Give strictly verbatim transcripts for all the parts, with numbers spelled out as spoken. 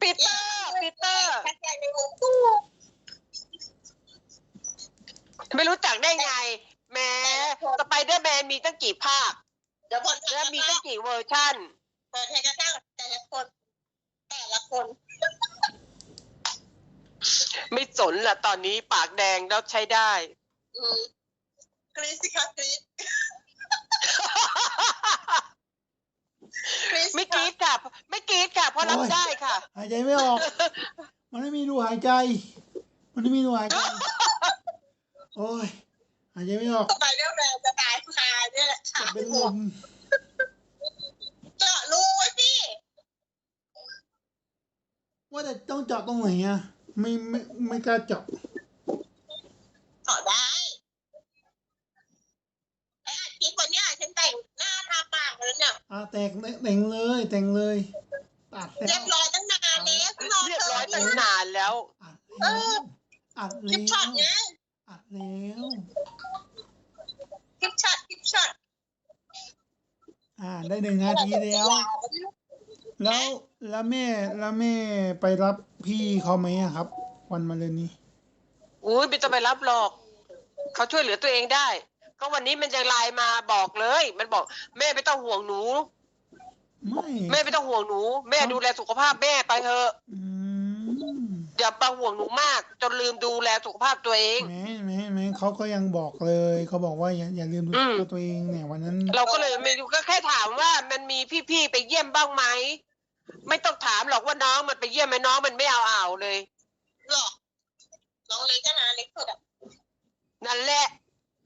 ปีเตอร์ปีเตอร์ไม่รู้จักได้ไงแหมสไปเดอร์แมนมีตั้งกี่ภาคเดี๋ยวบนแล้วมีตั้งกี่เวอร์ชันเปิดให้กระทั่งแต่ละคนแต่ละคนไม่สนละตอนนี้ปากแดงแล้วใช้ได้อืมกรี๊ดสิคะกรี๊ดไม่กรี๊ดค่ะไม่กรี๊ดค่ะเพราะรับได้ค่ะหายใจไม่ออกมันไม่มีรูหายใจมันไม่มีรูหายใจโอ้ยหายใจไม่ออกสไปเดอร์แมนจะตายคาเนี่ยแหละค่ะเป็นลมเจาะรูไว้พี่ว่าแต่ต้องเจาะตรงไหนอ่ะไม่ไม่ไม่กล้าเจาะเจาะได้ไอ้อาทิตย์วันนี้ฉันแต่งหน้าทาปากแล้วเนี่ยอ่าแต่งแต่งเลยแต่งเลยตัดเรียบร้อยตั้งนานแล้วเรียบร้อยตั้งนานแล้วอัดแล้วอัดคลิปช็อตไงอัดแล้วคลิปช็อตคลิปช็อตอ่าได้หนึ่งนาทีแล้วแล้วแล้วแม่แล้วแม่ไปรับพี่เขาไหมครับ วันมะรืนนี้อุ้ยไม่ต้องไปรับหรอกเขาช่วยเหลือตัวเองได้ก็วันนี้มันยังไลน์มาบอกเลยมันบอกแม่ไม่ต้องห่วงหนูไม่แม่ไม่ต้องห่วงหนูแม่ดูแลสุขภาพแม่ไปเถอะอย่าไปห่วงหนูมากจนลืมดูแลสุขภาพตัวเองแม่แม่แม่เขาก็ยังบอกเลยเขาบอกว่าอย่าอย่าลืมดูแลตัวเองเนี่ยวันนั้นเราก็เลยไม่ดูก็แค่ถามว่ามันมีพี่ๆไปเยี่ยมบ้างไหมไม่ต้องถามหรอกว่าน้องมันไปเยี่ยมไหมน้องมันไม่เอาอ่าวเลยหรอน้องเล็กก็นะเล็กสุดอ่ะนั่นแหละ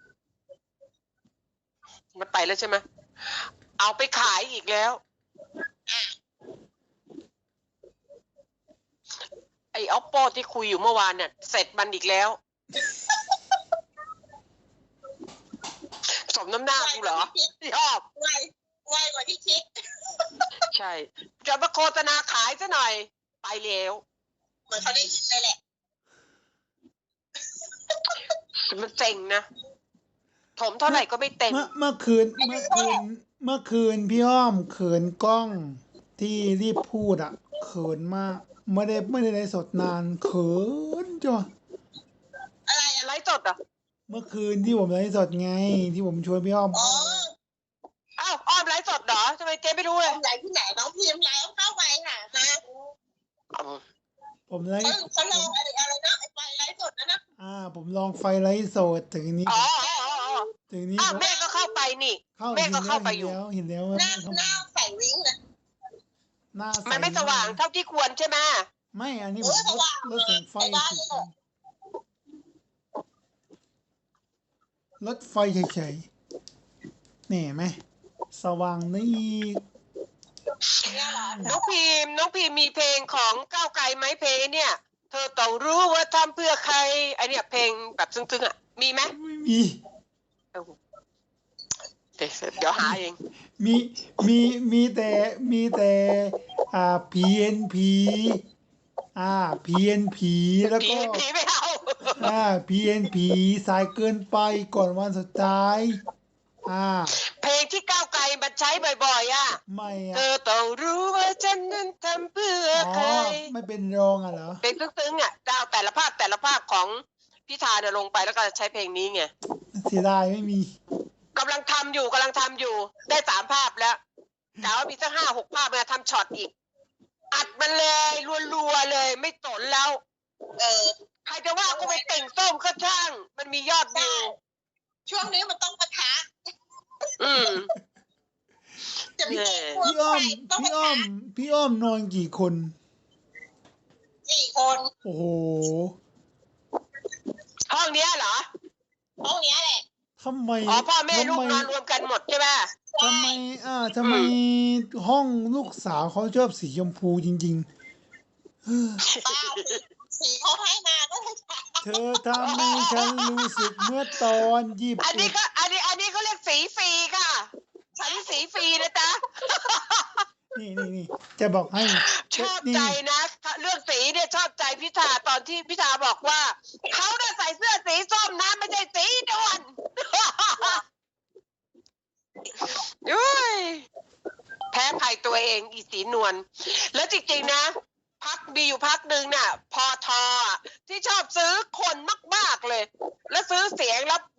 มันไปแล้วใช่ไหมเอาไปขายอีกแล้วไอ้ออปโปที่คุยอยู่เมื่อวานเนี่ยเสร็จมันอีกแล้วสมน้ำหน้ากูเหรอชอบไวไวกว่าที่คิดใช่จะมาโฆษณาขายซะหน่อยไปแล้วเหมือนเขาได้ยินเลยแหละมันเจ๋งนะถมเท่าไหร่ก็ไม่เต็มเมื่อเมื่อคืนเมื่อคืนเมื่อคืนพี่อ้อมเขินกล้องที่รีบพูดอ่ะเขินมากไม่ได้ไม่ได้ไลฟ์สดนานเขินจ้ะอะไรไลฟ์สดอ่ะเมื่อคืนที่ผมไลฟ์สดไงที่ผมชวนพี่อ้อมอ๋ออ้าวอ้อมไลฟ์สดเหรอทำไมเจ๊ไม่รู้เลยไลฟ์ที่ไหนน้องพิมพ์ไลฟ์เข้าไปค่ะนะผมไลฟ์เขาลองอะไรอะไรนะไอ้ไฟไลฟ์สดนะนะอ่าผมลองไฟไลฟ์สดถึงนี้อ๋อถึงนี้อ้าวแม่ก็เข้าไปนี่แม่ก็เข้าไปอยู่เห็นแล้วหน้าหน้าใส่วิ้งเลยหน้ามันไม่สว่างเท่าที่ควรใช่ไหมไม่อันนี้ผมลดลดแสงไฟลดไฟเฉยๆนี่ไหมสว่างนี่น้องพิมน้องพิมมีเพลงของก้าวไกลไหมเพลงเนี่ยเธอต้องรู้ว่าทำเพื่อใครไอเนี่ยเพลงแบบซึ้งๆอ่ะมีไหมไม่มีเดี๋ยวหาเองมีมีมีแต่มีแต่อ่า พี เอ็น พี อ่า พี เอ็น พี แล้วก็พี ไม่เอาอ่า พี เอ็น พี สายเกินไปก่อนวันสุดท้ายอ่าเพลงที่ก้าวไกลมันใช้บ่อยๆอ่ะไม่เธอต้องรู้ว่าฉันนั้นทำเพื่อใครไม่เป็นรองอ่ะเหรอเป็นซึ้งๆอ่ะดาวแต่ละภาพแต่ละภาพของพิธาเนี่ยลงไปแล้วก็ใช้เพลงนี้ไงเสียดายไม่มีกำลังทำอยู่กำลังทำอยู่ได้สามภาพแล้วกะว่ามีสักห้าหกภาพมาทำช็อตอีกอัดมันเลยรัวๆเลยไม่สนแล้วเออใครจะว่ากูไปติ่งส้มก็ช่างมันมียอดวิวช่วงนี้มันต้องปะทะอืมจะมีพี่อ้อมพี่อ้อมพี่อ้อมนอนกี่คนสี่คนโอ้โหห้องเนี้ยเหรอห้องเนี้ยแหละทำไมอ๋อพ่อแม่ลูกนอนรวมกันหมดใช่ไหมทำไมอ่าทำไมห้องลูกสาวเขาชอบสีชมพูจริงๆสีเขาให้มาก็เลยเธอทำให้ฉันรู้สึกเมื่อตอนยี่สิบอันนี้ก็อันนี้อันนี้เขาเรียกสีฟรีค่ะฉันสีฟรีนะจ๊ะนี่นี่นี่จะบอกให้ชอบใจนะเรื่องสีเนี่ยชอบใจพิธาตอนที่พิธาบอกว่าเขาเนี่ยใส่เสื้อสีส้มนะไม่ใช่สีดวนยุ้ยแพ้ภัยตัวเองอีสีนวลแล้วจริงๆนะพักมีอยู่พักหนึ่งน่ะ พอทอที่ชอบซื้อคนมากๆเลย แล้วซื้อเสียงแล้ว